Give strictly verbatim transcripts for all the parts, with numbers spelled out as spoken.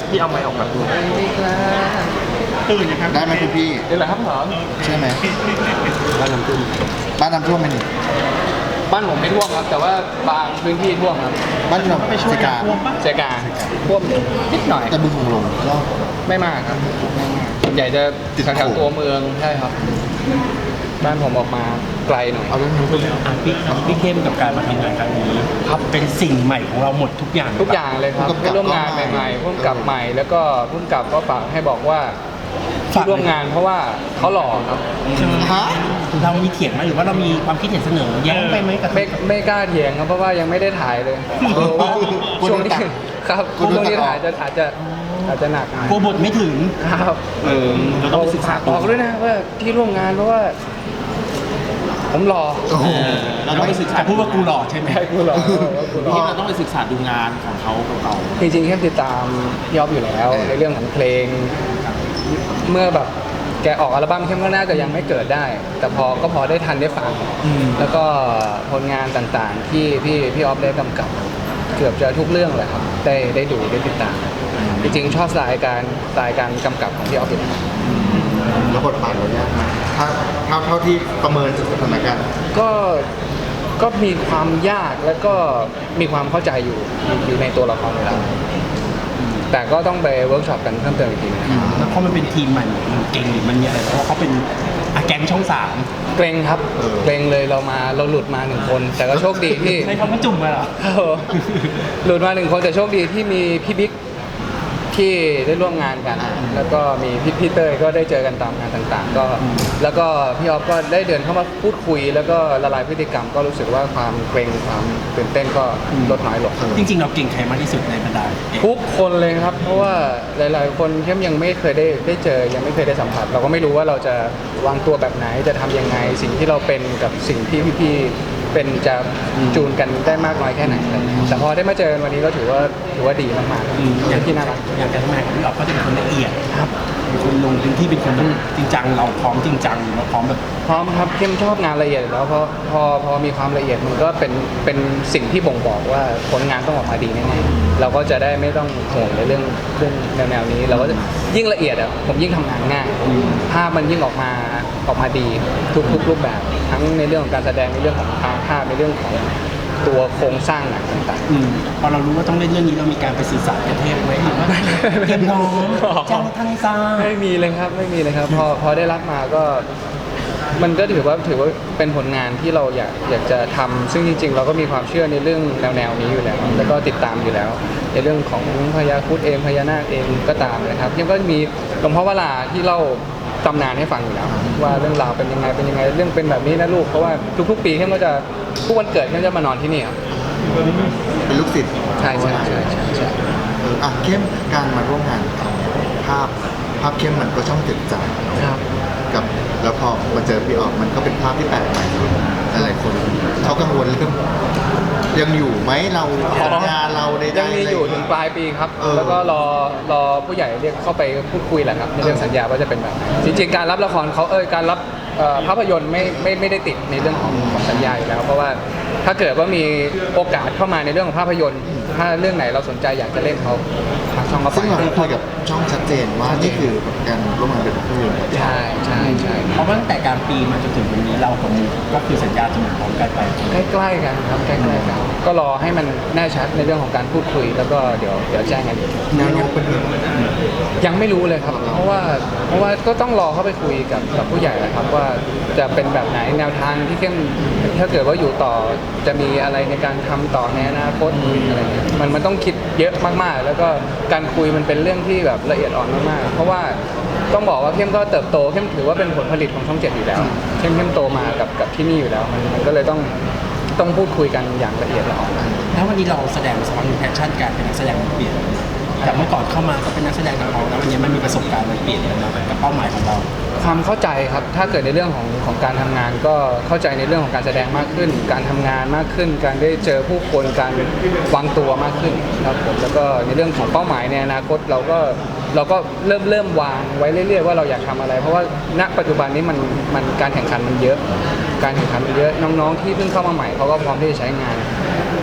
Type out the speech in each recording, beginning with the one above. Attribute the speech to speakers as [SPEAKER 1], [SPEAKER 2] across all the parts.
[SPEAKER 1] พี่เอาไม้ออกมาดู
[SPEAKER 2] ตื่นนะครับได้ไหมคุณพี่
[SPEAKER 1] นี่แหละครับหรอ
[SPEAKER 2] ใช่ไหม
[SPEAKER 1] บ้านน้ำท่วม
[SPEAKER 2] บ้านน้ำท่วมไหมนี่
[SPEAKER 1] บ้านผมไม่ท่วมครับแต่ว่าบางพื้นที่ท่วมครับ
[SPEAKER 2] บ้านเราไปช่วยกา
[SPEAKER 1] เซกาท่วมนิดหน่อย
[SPEAKER 2] แต่บึงหงลงก็
[SPEAKER 1] ไม่มากครับใหญ่จะติดแถวตัวเมืองใช่ครับบ้านผมออกมาไกลหน่อย
[SPEAKER 2] เอาเรื่องนู้นไปเลย
[SPEAKER 3] อ่ะพี่พี่เข้มกับการมาทำงานครั้งนี้ครับเป็นสิ่งใหม่ของเราหมดทุกอย่าง
[SPEAKER 1] ทุกอย่างเลยครับได้ร่วมงานใหม่ๆร่วมกับใหม่แล้วก็ร่วมกับก็ฝากให้บอกว่าที่ร่วมงานเพราะว่าเขาหล่อครับ
[SPEAKER 2] ฮะ
[SPEAKER 3] เรามีเถียงไหมหรือว่าเรามีความคิดเห็นเสนอแย้งไปไหมกับ
[SPEAKER 1] ไม่ไม่กล้าเถียงครับเพราะว่ายังไม่ได้ถ่ายเลยช่วงนี้ครับช่วงนี้ถ่ายจะอาจจะอาจจะหนัก
[SPEAKER 3] กลัวบทไม่ถึง
[SPEAKER 1] ครับ
[SPEAKER 3] เออเราต้องศึกษา
[SPEAKER 1] บอกด้วยนะว่าที่ร่วมงานเพราะว่าผมหล่อ
[SPEAKER 3] เราต้องไปศึกษาพูดว่ากูหล่อใช่ไหม
[SPEAKER 1] กูหล่อ
[SPEAKER 3] ที่เราต้องไปศึกษาดูงานของเขาเก่า
[SPEAKER 1] จริงๆแค่ติดตามยอบอยู่แล้วในเรื่องของเพลงเมื่อแบบแกออกอัลบั้มเข้มก็น่าจะยังไม่เกิดได้แต่พอก็พอได้ทันได้ฟังแล้วก็ผลงานต่างๆที่พี่พี่ออฟได้กำกับเกือบจะทุกเรื่องเลยครับได้ได้ดูได้ติดตามจริงๆชอบสายการสายการกำกับของพี่ออฟอยู่
[SPEAKER 2] แล้วบทบาทเราเนี่ยถ้าเท่าเท่าที่ประเมินสถานการณ์
[SPEAKER 1] ก็ก็มีความยากแล้วก็มีความเข้าใจอยู่อยู่ในตัวละครอยู่แล้วแต่ก็ต้องไปเวิร์กช็อปกันเพิ่มเติมอีกทีนะครับ
[SPEAKER 3] แล้วเพราะมันเป็นทีมใหม่มันเก่งหรือมันมีอะไรเพราะเขาเป็นอาแกงช่องสาม
[SPEAKER 1] เกรงครับเกรงเลยเรามาเราหลุดมาหนึ่งคนแต่ก็โชคดีที่
[SPEAKER 3] ใช้คำว่าจุ่มมาเหรอ
[SPEAKER 1] หลุดมาหนึ่งคนแต่โชคดีที่มีพี่บิ๊กที่ได้ร่วมงานกันแล้วก็มีพี่พีเตอร์ก็ได้เจอกันตามงานต่างๆก็แล้วก็พี่ออฟก็ได้เดินเข้ามาพูดคุยแล้วก็ละลายพฤติกรรมก็รู้สึกว่าความเกรงความตื่นเต้นก็ลดน้อยลง
[SPEAKER 3] จริงๆเราเก่งใครมากที่สุดในบรรดา
[SPEAKER 1] ทุกคนเลยครับเพราะว่าหลายๆคนเข้มยังไม่เคยได้ได้เจอยังไม่เคยได้สัมผัสเราก็ไม่รู้ว่าเราจะวางตัวแบบไหนจะทำยังไงสิ่งที่เราเป็นกับสิ่งที่พี่ๆเป็นจะจูนกันได้มากน้อยแค่ไหนแต่พอได้มาเจอวันนี้ก็ถือว่าถือว่าดีมากๆ
[SPEAKER 3] อย่างที่น่ารักอย่างการทำงานของพี่ออฟก็จะเป็นคนละเอียดครับเป็นคนลงพื้นที่เป็นคนจริงจังเราพร้อมจริงจังเราพร้อมแบบ
[SPEAKER 1] พร้อมครับเข้มชอบงานละเอียดแล้วเพราะพอพอมีความละเอียดมันก็เป็นเป็นสิ่งที่บ่งบอกว่าผลงานต้องออกมาดีแน่ๆเราก็จะได้ไม่ต้องห่วงในเรื่องเรื่องแนวๆนี้เราก็ยิ่งละเอียดอ่ะผมยิ่งทำงานง่ายภาพมันยิ่งออกมาออกมาดีทุกทุกรูปแบบทั้งในเรื่องของการแสดงในเรื่องของภาพในเรื่องของตัวโครงสร้างหนังต่าง
[SPEAKER 3] ๆพอเรารู้ว่าต้องเล่นเรื่องนี้เรามีการไปสื่อสารกับเทพไหมหรือว่าเตรียมน้องจ้างทางซ่า
[SPEAKER 1] ไม่มีเลยครับไม่มีเลยครับพอพอได้รับมาก็มันก็ถือว่าถือว่าเป็นผลงานที่เราอยากอยากจะทำซึ่งจริงๆเราก็มีความเชื่อในเรื่องแนวแนวนี้อยู่แล้วแล้วก็ติดตามอยู่แล้วในเรื่องของพญาครุฑเองพญานาคเองก็ตามนะครับยังก็มีหลวงพ่อวราที่เล่าตำนานให้ฟังอยู่แล้วว่าเรื่องราวเป็นยังไงเป็นยังไงเรื่องเป็นแบบนี้นะลูกเพราะว่าทุกๆปีเข้มก็จะทุกวันเกิดเข้มจะมานอนที่นี่ครับ
[SPEAKER 2] เป็นลูกศิษย์
[SPEAKER 1] ใช่ใช่ใช่ใช่
[SPEAKER 2] เอออ่ะเข้มการมาร่วมงานภาพภาพเข้มมันก็ช่องเจ็ดจานกับแล้วพอมาเจอพี่ออกมันก็เป็นภาพที่แปลกใหม่หลายคนเขากังวลเรื่องยังอยู่ไหมเรางานเราใน
[SPEAKER 1] ยังมีอยู่ถึงปลายปีครับแล้วก็รอรอผู้ใหญ่เรียกเข้าไปพูดคุยแหละครับในเรื่องสัญญาว่าจะเป็นแบบไหนจริงๆการรับละครเขาเออการรับภาพยนตร์ไม่ไม่ไม่ได้ติดในเรื่องของของสัญญาอยู่แล้วเพราะว่าถ้าเกิดว่ามีโอกาสเข้ามาในเรื่องของภาพยนตร์ถ้าเรื่องไหนเราสนใจอยากจะเล่นเขาทางช่องก็
[SPEAKER 2] ซึ่งเราได้คุยกับช่องชัดเจนว่านี่คือการร่วมงานเป็นภาพยนตร์
[SPEAKER 1] ใช่ใช่ใช่
[SPEAKER 3] เพราะว่าตั้งแต่การปีมาจนถึงวันนี้เรากับมูก็คือสัญญาจะเหมือนพร้อมกันไป
[SPEAKER 1] ใกล้ๆกันครับใกล้ๆกันก็รอให้มันแน่ชัดในเรื่องของการพูดคุยแล้วก็เดี๋ยวเดี๋ยวแจ้งกันอีก
[SPEAKER 2] แนวโน้มเป็น
[SPEAKER 1] ยังไม่รู้เลยครับเพราะว่าเพราะว่าก็ต้องรอเข้าไปคุยกับกับผู้ใหญ่นะครับว่าจะเป็นแบบไหนแนวทางที่เข้มถ้าเกิดว่าอยู่ต่อจะมีอะไรในการทำต่อในอนาคตอะไรเงี้ยมันมันต้องคิดเยอะมากๆแล้วก็การคุยมันเป็นเรื่องที่แบบละเอียดอ่อนมากๆเพราะว่าต้องบอกว่าเข้มก็เติบโตเข้มถือว่าเป็นผลผลิตของช่องเจ็ดอยู่แล้วเข้มเข้มโตมากับกับที่นี่อยู่แล้วมันมันก็เลยต้องต้องพูดคุยกันอย่างละเอียดละออ
[SPEAKER 3] แล้ววันนี้เราแสดงสปอนแพชชั่นการเป็นนักแสดงมันเปลี่ยนจากเมื่อก่อนเข้ามาก็เป็นนักแสดงนักร้องแล้ววันนี้มันมีประสบการณ์มันเปลี่ยนแล้วกับเป้าหมายของเรา
[SPEAKER 1] ความเข้าใจครับถ้าเกิดในเรื่องของของการทำงานก็เข้าใจในเรื่องของการแสดงมากขึ้นการทำงานมากขึ้นการได้เจอผู้คนการวางตัวมากขึ้นครับผมแล้วก็ในเรื่องของเป้าหมายในอนาคตเราก็เราก็เริ่มเริ่มวางไว้เรื่อยๆว่าเราอยากทำอะไรเพราะว่าณปัจจุบันนี้มันมันการแข่งขันมันเยอะการแข่งขันมันเยอะน้องๆที่เพิ่งเข้ามาใหม่เขาก็พร้อมที่จะใช้งาน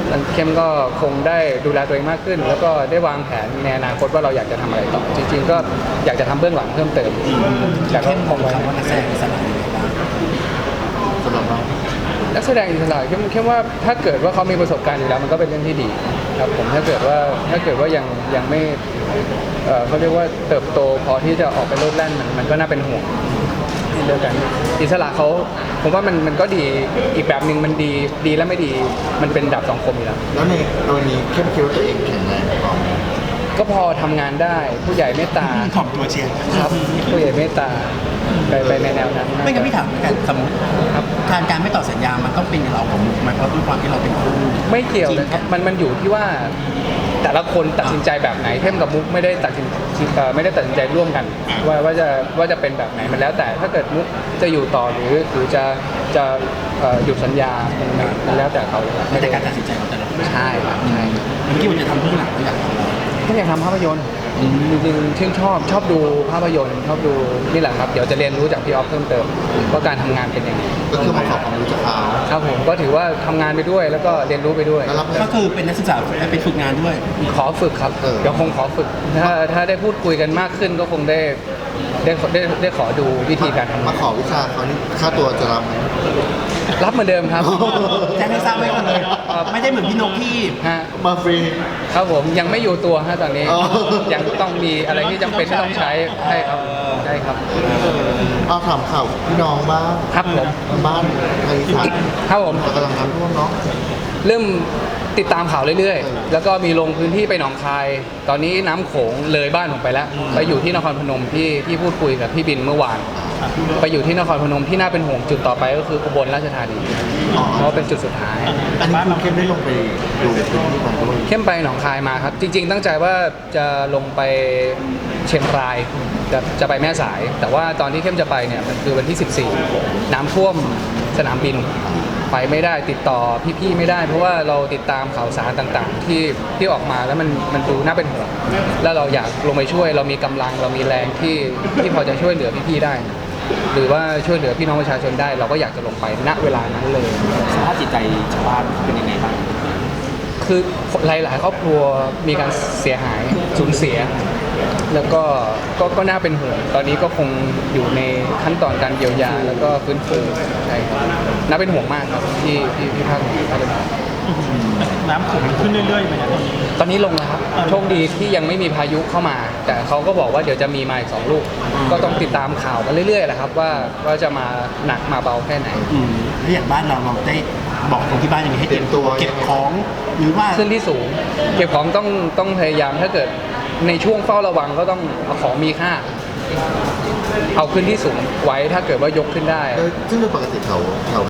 [SPEAKER 1] เข้มก็คงได้ดูแลตัวเองมากขึ้น แล้วก็ได้วางแผนในอนาคตว่าเราอยากจะทำอะไรต่อจริงๆก็อยากจะทำเบื้องหลังเพิ่มเติมแต่ก็
[SPEAKER 3] เข้ม
[SPEAKER 1] ค
[SPEAKER 3] มอง
[SPEAKER 1] งไว้
[SPEAKER 3] คำว่านักแสดงอิสระยังไงบ้าง
[SPEAKER 2] สำหรับเรา
[SPEAKER 1] นักแสดงอิสระเข้มเข้มว่าถ้าเกิดว่าเขามีประสบการณ์อยู่แล้วมันก็เป็นเรื่องที่ดีครับผมถ้าเกิดว่าถ้าเกิดว่ายังยังไม่เอ่อเขาเรียกว่าเติบโตพอที่จะออกไปโลดแล่นมันมันก็น่าเป็นห่วงเดียวกันอิสระเขาผมว่ามันมันก็ดีอีกแบบหนึ่งมันดีดีและไม่ดีมันเป็นดาบสองคมอยู่แล้ว
[SPEAKER 2] แล้วในกรณีเข้มคิดว่าตัวเองแข็งแรงพอไหม
[SPEAKER 1] ก็พอทำงานได้ผู้ใหญ่เมตตา
[SPEAKER 3] ขอบตัวเชียร์
[SPEAKER 1] ครับผู้ใหญ่เมตตาไปไปในแนวนั้น
[SPEAKER 3] ไม่งั้นพี่ถามกันสมมติ
[SPEAKER 1] ครับ
[SPEAKER 3] การการไม่ต่อสัญญา มันต้องเป็นเราของมุกไหมเพราะด้วยความที่เราเป็นคู่
[SPEAKER 1] ไม่เกี่ยวเลยครับมันมันอยู่ที่ว่าแต่ละคนตัดสินใจแบบไหนเข้มกับมุกไม่ได้ตัดสินเอ่อไม่ได้ตัดสินใจร่วมกัน ว่าว่าจะว่าจะเป็นแบบไหนมันแล้วแต่ถ้าเกิดมุกจะอยู่ต่อหรือหรือจะจะเอ่อหยุดสัญญามันมันมันแล้วแต่เขาเลยครับ
[SPEAKER 3] ไม่แต่การตัดสินใจของแต่ละคน
[SPEAKER 1] ใช่ครับใช่
[SPEAKER 3] เมื่อกี้มันจะทำเพื่อหลังเราอยากทำอะไร
[SPEAKER 1] ก็อยากทำภาพยนตร์จริงๆชื่นชอบชอบดูภาพยนตร์ชอบดูนี่แหละครับเดี๋ยวจะเรียนรู้จากพี่ออฟเพิ่มเติมว่าการทำงานเป็นยังไง
[SPEAKER 2] ก็คือมาขอความรู้จากเขา
[SPEAKER 1] ครับผมก็ถือว่าทำงานไปด้วยแล้วก็เรียนรู้ไปด้วย
[SPEAKER 2] แล้วรับเงิน
[SPEAKER 3] ก็คือเป็นนักศึกษาและเป็นฝึกงานด้วย
[SPEAKER 1] ขอฝึกครับ
[SPEAKER 2] เออ
[SPEAKER 1] เดี๋ยวคงขอฝึก ถ้าถ้าได้พูดคุยกันมากขึ้นก็คงได้ได้ได้ได้ขอดูวิธีการทำงาม
[SPEAKER 2] าน ขอวิชาเขานี่ค่าตัวจะรับไหม
[SPEAKER 1] รับเหมือนเดิมครับ
[SPEAKER 3] แจ้งให้ทราบไว้ก่อนเลย
[SPEAKER 1] ครับ
[SPEAKER 3] ไม่ได้เหมือนพี่นกที่
[SPEAKER 1] ฮะ
[SPEAKER 2] มาฟรี
[SPEAKER 1] ครับผมยังไม่อยู่ตัวฮะตอนนี้
[SPEAKER 2] อ๋อ
[SPEAKER 1] ยังต้องมีอะไรที่จำเป็นที่ต้องใช้ใช่ครับใช่ครับ
[SPEAKER 2] เอาถามข่าวพี่น้องบ้าง
[SPEAKER 1] ครับผม
[SPEAKER 2] บ้านไทยสัตว์
[SPEAKER 1] ครับผม
[SPEAKER 2] กำลังน้ำท่วมเนาะ
[SPEAKER 1] เริ่มติดตามข่าวเรื่อยๆ แล้วก็มีลงพื้นที่ไปหนองคาย ตอนนี้น้ำโขงเลยบ้านผมไปแล้ว ไปอยู่ที่นครพนมที่ที่พูดคุยกับพี่บินเมื่อวาน ไปอยู่ที่นครพนมที่น่าเป็นห่วงจุดต่อไปก็คืออุบลราชธานี
[SPEAKER 2] อ๋อ
[SPEAKER 1] เพราะว่าเป็นจุดสุดท้าย
[SPEAKER 2] อันนี้คุณเข้มได้ลงไปดูพื้นที่มาด้วย
[SPEAKER 1] เข้มไปหนองคายมาครับ จริง ๆ ตั้งใจว่าจะลงไปเชียงรายจะจะไปแม่สาย แต่ว่าตอนที่เข้มจะไปเนี่ยมันคือวันที่ สิบสี่ น้ำท่วมสนามบิน ไปไม่ได้ติดต่อพี่ๆไม่ได้ เพราะว่าเราติดตามข่าวสารต่างๆ ที่ที่ออกมาแล้วมันมันดูน่าเป็นห่วงแล้วเราอยากลงไปช่วย เรามีกำลังเรามีแรงที่ที่พอจะช่วยเหลือพี่ๆได้ หรือว่าช่วยเหลือพี่น้องประชาชนได้ เราก็อยากจะลงไปณเวลานั้นเลย
[SPEAKER 3] สภาพจิตใจชาวบ้านเป็นยังไงบ้าง
[SPEAKER 1] คือหลาย ๆ ครอบครัวมีการเสียหายสูญเสีย แล้วก็ก็ก็น่าเป็นห่วงตอนนี้ก็คงอยู่ในขั้นตอนการเยียวยาแล้วก็ฟื้นฟูใช่ครับน่าเป็นห่วงมากครับที่ที่ที่ภาคเหนือน่าเป็นห่วง
[SPEAKER 4] น้ำโขงมันขึ้นเรื่อยๆไหมครับ
[SPEAKER 1] ตอนนี้ลงแล้วครับโชคดีที่ยังไม่มีพายุเข้ามา แต่เขาก็บอกว่าเดี๋ยวจะมีมาอีกสองลูก ก็ต้องติดตามข่าวกันเรื่อยๆแหละครับว่าว่าจะมาหนักมาเบาแค่ไหน
[SPEAKER 3] อืมแล้วอย่างบ้านเราเราได้บอกคนที่บ้านยังไงให้เตรียมตัวเก็บของหรือว่า
[SPEAKER 1] ขึ้นที่สูง เก็บของต้องต้องพยายามถ้าเกิดในช่วงเฝ้าระวังก็ต้องเอาของมีค่า เอาขึ้นที่สูงไว้ถ้าเกิดว่ายกขึ้นได้
[SPEAKER 2] โดยซึ่งโดยปกติเขาเขา